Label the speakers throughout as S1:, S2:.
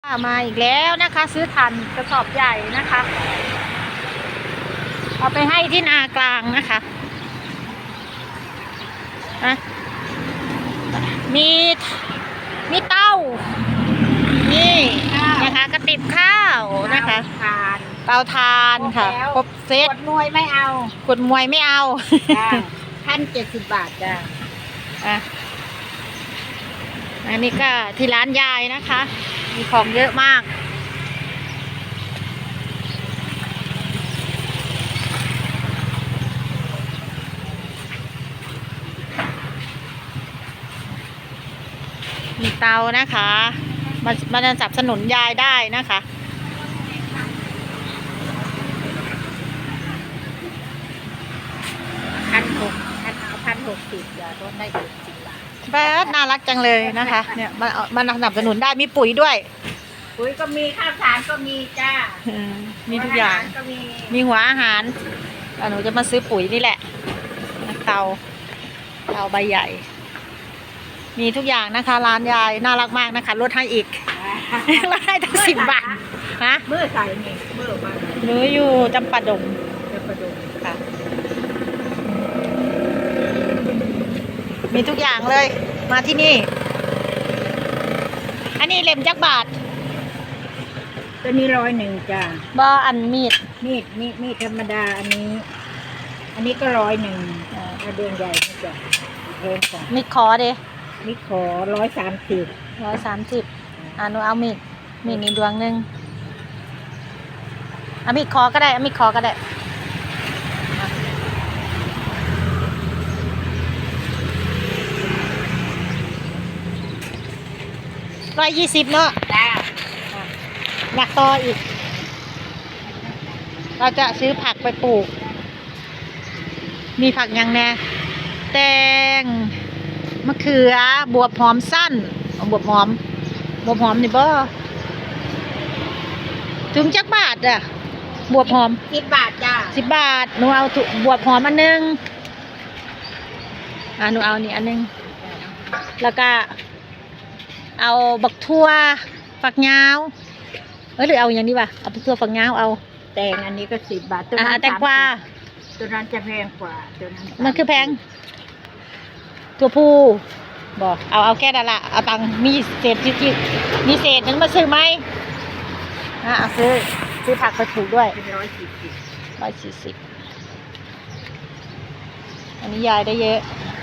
S1: มาอีกแล้วนะคะซื้อถ่านกระสอบใหญ่นะคะเอาไปให้ที่นากลางนะคะนะมีเต้านี่นะคะกระติบข้าวนะคะเตาทานค่ะครบเซต
S2: ขวดมวยไม่เอา
S1: ขวดมวยไม่เอา
S2: 1,070 บาทจ้ะ
S1: อันนี้ก็ที่ร้านยายนะคะมีของเยอะมากมีเตานะคะมาสนับสนุนยายได้นะคะ
S2: 1,060จ้ะต้นได้70 บาท
S1: แป๊ดน่ารักจังเลยนะคะเนี่ยมันสนับสนุนได้มีปุ๋ยด้วย
S2: ปุ๋ยก็มีข้าวสารก็มีจ้า
S1: มีทุกอย่างมีหัวอาหารหนูจะมาซื้อปุ๋ยนี่แหละเตาใบใหญ่มีทุกอย่างนะคะร้านยายน่ารักมากนะคะลดให้อีกลดให้ตั้ง10 บาทฮะ
S2: เมื่อใส่นี่เมื่อมา
S1: หนูอยู่จำปาดงค่ะมีทุกอย่างเลยมาที่นี่อันนี้เล่มจักบาท
S2: ตัวนี้101จ้า
S1: บ่อันมี
S2: ดธรรมดาอันนี้ก็101ถ้าเดือนใหญ่นี่จ้ะแพงกว่า
S1: มีดขอเด้
S2: มีดขอ130
S1: หนูเอามีดนี่ดวงนึงเอามีดขอก็ได้เอามีดขอก็ได้120เนาะอยากต่ออีกเราจะซื้อผักไปปลูกมีผักยังแน่แตงมะเขือบวบหอมสั้นบวบหอมนี่บ่ถึงจักบาทอ่ะบวบหอม
S2: 10 บาทจ้า
S1: 10 บาทหนูเอาบวบหอมอันนึงหนูเอานี่อันนึงแล้วก็เอาบักทั่วฝักยาวหรือเอาอย่างนี้ป่ะเอาบักทั่วฝักยาวเอา
S2: แตงอันนี้ก็10 บาทตัวนั้น
S1: แตงกวา
S2: ตัวนั้นจะแพงกว่าตัวนั้น
S1: มันคือแพงตัวผู้บอกเอาแค่นั้นละเอาตังมีเศษจิ๊กมีเศษนึงมาซื้อไหมเอาซื้อผักไปปลูกด้วย140อันนี้ยายได้เยอะ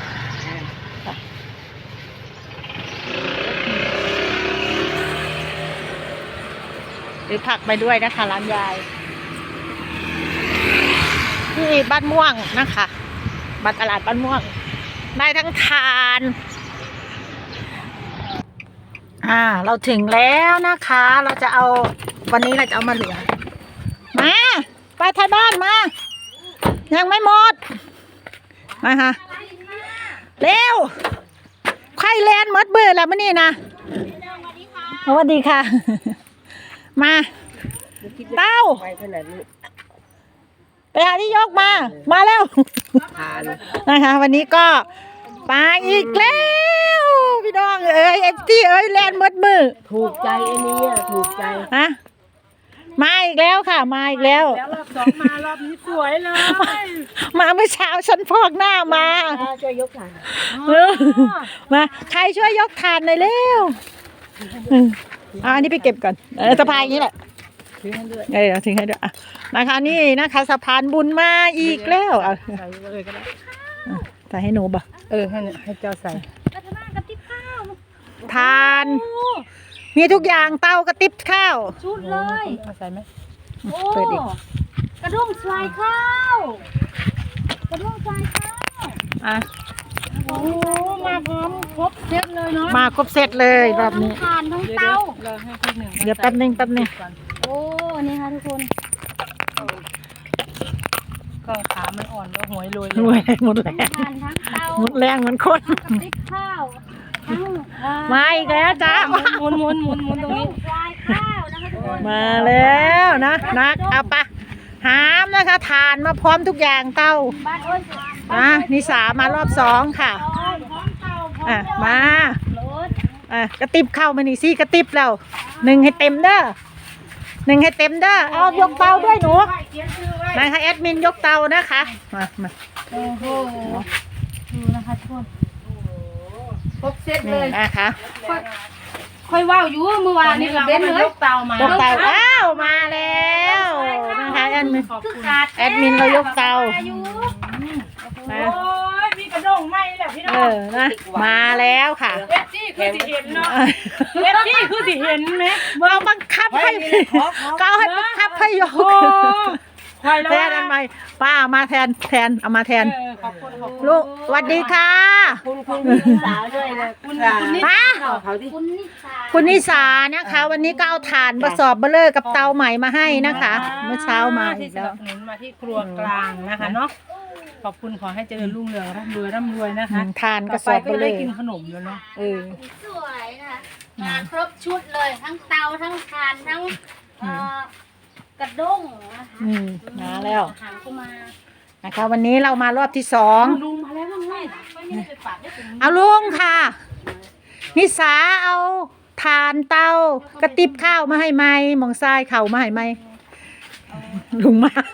S1: หรือผักไปด้วยนะคะร้านยายที่บ้านม่วงนะคะมาตลาดบ้านม่วงได้ทั้งทานเราถึงแล้วนะคะเราจะเอาวันนี้เราจะเอามาเหลือมาไปไทยบ้านมายังไม่หมดมาค่ะเร็วไข่แลนด์มดเบื่อแล้วมื่อนี้นะสวัสดีค่ะมาเต้าไปหาที่ยกมาแล้วนะคะวันนี้ก็ปลาอีกแล้วพี่น้องFTแลนด์มดมือ
S2: ถูกใจไอ้นี่ถูกใจ
S1: มาอีกแล้วค่ะมาอีกแล้ว
S2: รอบ2มารอบนี้สวยเลย
S1: มาเมื่อเช้าฉันพอกหน้ามา
S2: ช่วยยกถ่าน
S1: มาใครช่วยยกถ่านหน่อยเร็วอันนี้ไปเก็บก่อนสะพายอย่างนี้แหละ
S2: ทิ้งให้ด้วย
S1: ทิ้งให้ด้วยนะคะนี่นะคะสะพานบุญมาอีกแล้ว
S2: ใส่เลยก็ได้
S1: ใส่ให้หนูบ่
S2: ให้เจ้าใส่
S1: ทานมีทุกอย่างเตากระติบข้าว
S2: ชุดเลย
S1: ใส่ไหม
S2: เปิดอีกกระด้งทรายข้าวโอ้มาพร้อมครบเซตเลยเนาะ
S1: มาครบเซตเลยแบบนี้
S2: ทานทั้งเตา
S1: เดี๋ยวแป๊บนึง
S2: โอ้นี่ค่ะทุกคนก็ขามันอ่อนก็หวยรวย
S1: หมดแรงหมดแรงเหมือนคน
S2: ข้าว
S1: มาอีกแล้วจ้า
S2: หมุนตรงนี้
S1: มาแล้วนะเอาปะหามนะคะทานมาพร้อมทุกอย่างเต้านิสามารอบ2ค่ะมากระติบเข้ามานี่สิกระติบแล้วหนึ่งให้เต็มเด้อหนึ่งให้เต็มเด้อเอายกเตาด้วยหนูนะคะแอดมินยกเตานะคะมา
S2: โอ้โหดูนะคะทุกคนครบเซตเล
S1: นี่
S2: ย
S1: นะคะ
S2: ค่อยว่าวอยู่เมื่อวานนี้เบนเลยยกเตามา
S1: ยกเตาอ้าวมาแล้วนะคะแอดมิน แอดมินเรายกเตานะ
S2: โอ้ยมีกระด้งไหมแหละพี่น้อง
S1: นะมาแล้วค่ะ
S2: เอฟจี้คือสิเห็นเนาะเอฟจี้คือสิเห็นไหม
S1: เราบังคับให้ก็ให้บังคับให้ยก
S2: ใครแล้ว
S1: แทนอันใหม่ป้าเอามาแทนเอามาแทน
S2: ขอบคุณ
S1: ลูกสวัสดีค่ะ
S2: คุณสาวด้วยนะคุณนิสาเขาที่
S1: คุณนิสานะคะ วันนี้ก็เอาถ่านมาสอบเบลเลอร์กับเตาใหม่มาให้นะคะ เมื่อเช้ามาอี
S2: ที่
S1: ก
S2: ส
S1: แล้
S2: นั
S1: ว
S2: บสนุนมาที่ครัวกลางนะคะเนาะขอบคุณขอให้เจริญรุ่งเรืองร่ำรวยนะคะ
S1: ถ่านก
S2: ต่
S1: ระ
S2: อ
S1: ส
S2: ไป
S1: อบ
S2: ก็
S1: เบลเล
S2: ได้
S1: อร์
S2: กินขนมแล้วเนาะ
S3: สวยนะคะมาครบชุดเลยทั้งเตาทั้งถ่านทั้งกระด้งนะคะ
S1: มาแล้ว
S3: หางก็มา
S1: นะคะ วันนี้เรามารอบที่สอง
S2: ลุงมาแล้วลุงไม่ได้ไปฝากได้ถึง
S1: เอาลุงค่ะ นิสาเอาถ่านเตากระติบข้าวมาให้ไหมมองซ้ายเข่ามาให้ไหมลุงมา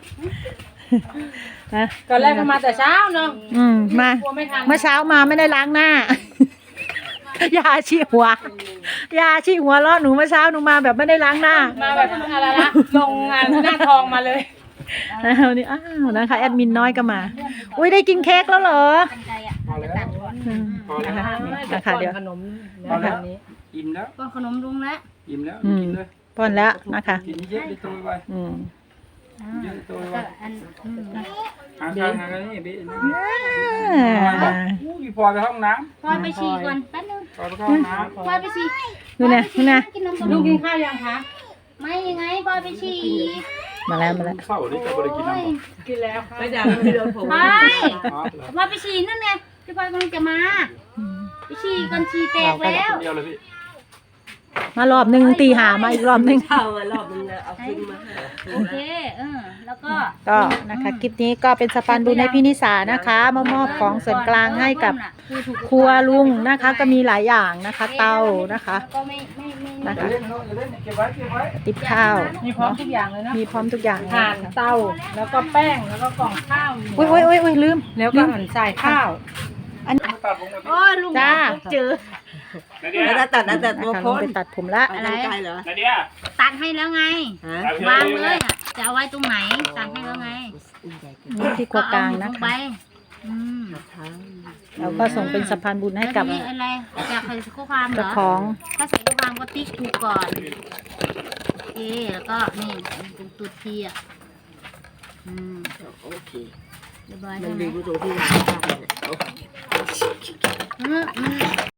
S1: นะ
S2: ตอนแรกก็มาแต่เช้าเนาะ
S1: มา
S2: กลัวไม่ทัน
S1: เมื่อเช้ามาไม่ได้ล้างหน้ายาชี้หัวยาชี้หัวล้อหนูเมื่อเช้าหนูมาแบบไม่ได้ล้างหน้า
S2: มาแบบอะไรนะลงงานหน้าทองมาเลย
S1: วันนี้อ้าวนะคะแอดมินน้อยก็มา อุ้ยได้กินเค้กแล้วเหรอ
S3: กันไกลอ่ะเราจะตัดก่อน
S1: นะคะนะคะเดี๋ยว
S2: ขนมแบบนี้
S4: อิ่มแล้ว
S3: ก็ขนมลุงแล้ว
S4: อิ่มแล้ว
S1: อืม
S4: กินเลย
S1: ป้อนแล้วนะคะ
S4: กินเยอะได้ตัวไว
S1: อืม
S4: เยอะได้ตัวไว
S3: ก็อัน
S4: หาทางหากันนี่บิ๊
S1: อ่า
S4: พี่พอไปห้องน้
S3: พลอยไปฉี่ก่อนแป๊บนึง
S4: ำพอไปเข้าห้องน้
S3: พลอยไปฉี่
S1: ดูนะดูนะ
S3: กินนมกับ
S2: ลุ
S3: ลุ
S2: ง
S3: ง
S2: กินข้าวยังคะ
S3: ไม่ยังไงพลอยไปฉี่
S1: มาแล้วมาแล้ว
S4: ำเศร้าดิจะบริกินน้ำบ่
S2: กินแล้วค่ะ
S3: พลอย
S4: อ๋อเหรอ
S3: พลอยไปฉี่นั่นไงพี่พลอยกำลังจะมาไปฉี่ก่อนฉี่แตกแล้ว
S4: คนเดียวเลยพี่
S1: มารอบหนึ่งตีหามาอีกรอบหนึ่ง
S3: โอเคแล้วก็
S1: ก็นะคะคลิปนี้ก็เป็นสะพานบุญให้พี่นิสานะคะมามอบของส่วนกลางให้กับครัวลุงนะคะ ก็มีหลายอย่างนะคะ เตานะคะ
S3: แล้วก็ไม่
S1: นะคะ
S4: เล่นเขาเล่นเก็บไว้เก็บไว้
S1: ติบข้าว
S2: มีพร้อมทุกอย่างเลยนะ
S1: มีพร้อมทุกอย่าง
S2: ถ่านเตาแล้วก็แป้งแล้วก็กล่องข้าว
S1: อุ้ยอุ้ยอุ้ยอุ้ยลืม
S2: แล้วก็หั่นใส่ข้าว
S1: อัน
S4: ตัดผม
S3: โอ้ยลุง
S1: จ้า
S3: เจอ
S4: นาเดีย
S1: นะคะลงไปตัดผมละ
S3: อะไร
S4: นาเดีย
S3: ตัดให้แล้วไง วางเลยอ่ะจะเอาไว้ตรงไหนตัดให้แล้วไง
S1: ที่ครัวกลางนะ
S3: เอหมุลไป
S1: คะ
S3: อืม
S1: เราก็ส่งเป็นสะพานบุญให้กับ
S3: แล้วนี่อะไรอยากใส่ข้อความเหร
S1: เจ้า
S3: อ
S1: ของ
S3: ถ้าใส่ข้อความก็ติ๊กถูกก่อนโอเคแล้วก็นี่เป็นตัวทีอ่ะโอเคเรียบร้อยใช่ไหมมัน